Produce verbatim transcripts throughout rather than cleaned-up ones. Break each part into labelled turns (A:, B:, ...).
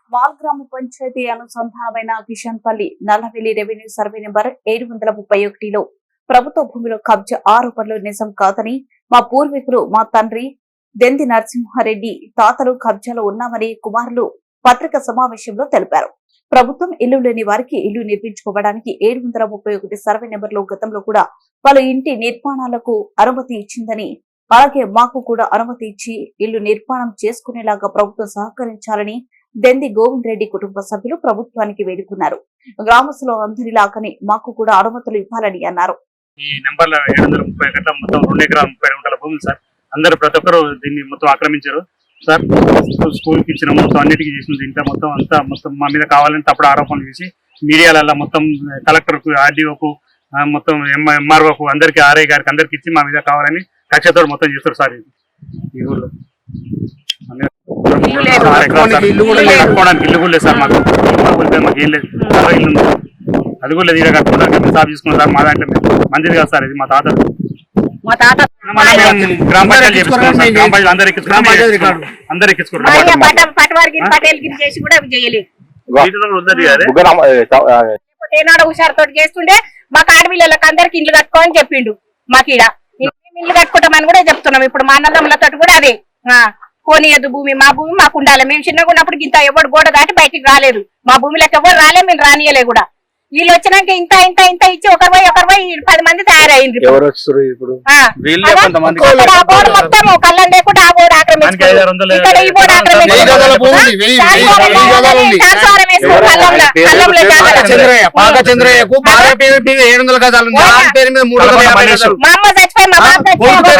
A: Mall గ్రామ పంచాయతీ అనుసంధానమైన Kishanpalli Nallavelli revenue survey number ఏడు వందల ముప్పై ఒకటిలో ప్రభుత్వ భూమిలో కబ్జా ఆరోపణలు నిజం కాదని మా పూర్వీకులు మా తండ్రి దెంది నరసింహారెడ్డి తాతలు కబ్జాలో ఉన్నామని కుమారులు పత్రికా సమావేశంలో తెలిపారు. ప్రభుత్వం ఇల్లు లేని వారికి ఇల్లు నిర్మించుకోవడానికి ఏడు వందల ముప్పై ఒకటి సర్వే నెంబర్లో గతంలో కూడా వాళ్ళ ఇంటి నిర్మాణాలకు అనుమతి ఇచ్చిందని, అలాగే మాకు కూడా అనుమతి ఇచ్చి ఇల్లు నిర్మాణం చేసుకునేలాగా ప్రభుత్వం సహకరించాలని దెంది గోవింద్ రెడ్డి కుటుంబ సభ్యులు ప్రభుత్వానికి వేడుకున్నారు. గ్రామస్తులు అందరిలాగానే మాకు కూడా అనుమతులు ఇవ్వాలని అన్నారు.
B: ఈ నెంబర్ల ఏడు వందల ముప్పై గంటల మొత్తం రెండు ఎకరాల ముప్పై గంటల భూములు సార్. అందరూ ప్రతి ఒక్కరు దీన్ని మొత్తం ఆక్రమించారు సార్. స్కూల్కి ఇచ్చిన మొత్తం అన్నిటికీ చేసింది ఇంట్లో మొత్తం అంతా మొత్తం మా మీద కావాలని తప్పుడు ఆరోపణలు చేసి మీడియాలలో మొత్తం కలెక్టర్కు, ఆర్డీఓకు, మొత్తం ఎంఆర్ఓకు అందరికీ, ఆర్ఐ గారికి అందరికి ఇచ్చి మా మీద కావాలని కక్షతో మొత్తం చేస్తారు సార్. ఈ ఊళ్ళో కట్టుకోవడానికి ఇల్లు కూడా లేదు సార్. మాకు మాకు ఏం లేదు, ఇల్లు ఉంది అది కూడా లేదు. ఇక్కడ కట్టుకోవడానికి సాగు తీసుకున్నాం సార్. మా దాంట్లో మంచిది కాదు సార్. ఇది మా తాత గ్రామ పంచాయతీ గ్రామ పంచాయతీ అందరికి అందరికి
C: హుషారుతో చేస్తుండే మాకు ఆడపిల్లలకు అందరికి ఇల్లు కట్టుకోని చెప్పిండు. మాకు ఈడ ఇల్లు కట్టుకుంటామని కూడా చెప్తున్నాం. ఇప్పుడు మా అన్నదమ్ములతో కూడా అదే కోనియద్దు, భూమి మా భూమి మాకు ఉండాలి. మేము చిన్నగా ఉన్నప్పుడు ఇంత ఎవరు గోడ దాటి బయటికి రాలేదు. మా భూమిలోకి ఎవరు రాలే, మేము రానియలే కూడా. వీళ్ళు వచ్చినాక ఇంత ఇంత ఇంత ఇచ్చి ఒకరి పోయి ఒకరి పోయి పది మంది తయారైంది. మొత్తం కళ్ళం లేకుండా ఆ బోర్డు ఆక్రమించుకున్నారు. ఇక్కడ ఈ బోర్డు ఆక్రమించుకున్నారు. మా అమ్మ చచ్చిపోయి మా బాబు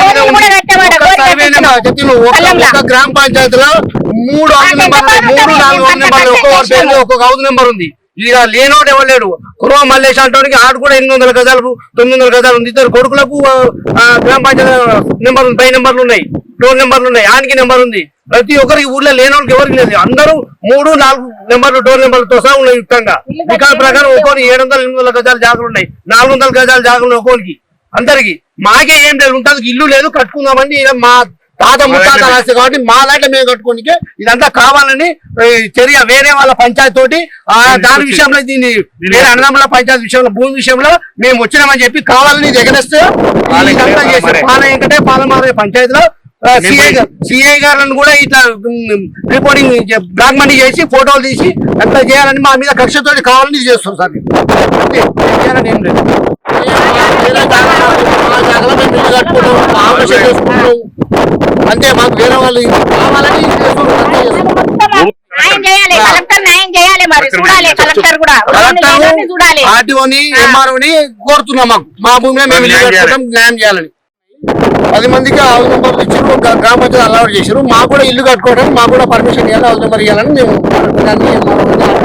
D: గ్రామ పంచాయతీలో మూడు మూడు నాలుగు ఒక్కొక్క హౌస్ నెంబర్ ఉంది. ఇక లేనోడు ఎవరు కుర్వ మల్లేష్ అంటానికి ఆడు కూడా ఎనిమిది వందల గజాలు తొమ్మిది వందల గజాలు ఉంది. ఇద్దరు కొడుకులకు గ్రామ పంచాయతీ నెంబర్ ఉంది, పై నెంబర్లు ఉన్నాయి, డోర్ నెంబర్లు ఉన్నాయి, ఆనికి నెంబర్ ఉంది. ప్రతి ఒక్కరికి ఊర్లో లేనోళ్ళకి ఎవరికి లేదు. అందరూ మూడు నాలుగు నెంబర్లు డోర్ నెంబర్లతో సహా ఉన్నాయి. యుక్తంగా రికార్డు ప్రకారం ఒక్కోని ఏడు వందల ఎనిమిది వందల గజాలు జాగులు ఉన్నాయి, నాలుగు వందల గజాలు జాగులు ఒక్కోనికి. అందరికి మాకే ఏం లేదు, ఉంటుంది ఇల్లు లేదు, కట్టుకుందామని మా తాత ముత్తాత రాస్తే కాబట్టి మా దాంట్లో మేము కట్టుకోనికే ఇదంతా కావాలని చర్య వేరే వాళ్ళ పంచాయతీ తోటి దాని విషయంలో దీన్ని వేరే అన్నదమ్ముల పంచాయతీ విషయంలో భూమి విషయంలో మేము వచ్చినామని చెప్పి కావాలని జగనేస్తే పాల వెంకటే పాలమారే పంచాయతీలో సిఐ సిఐ గారులను కూడా ఇట్లా రిపోర్టింగ్ బ్లాక్ మనీ చేసి ఫోటోలు తీసి అంతా చేయాలని మా మీద కక్షతోటి కావాలని చేస్తాం సార్. చేయాలని ఏం లేదు. అంతే, మాకు వేరే వాళ్ళు కావాలని ఆర్టీఓని ఎంఆర్ఓని కోరుతున్నాం. మాకు మా భూమిలో మేము ఇల్లు కట్టుకుంటాం, న్యాయం చేయాలని. పది మందికి హౌస్ నెంబర్లు ఇచ్చారు, గ్రామ పంచాయతీ అలవాటు చేశారు. మాకు కూడా ఇల్లు కట్టుకోవడానికి మాకు కూడా పర్మిషన్ ఇవ్వాలి, హౌస్ నెంబర్ ఇవ్వాలని మేము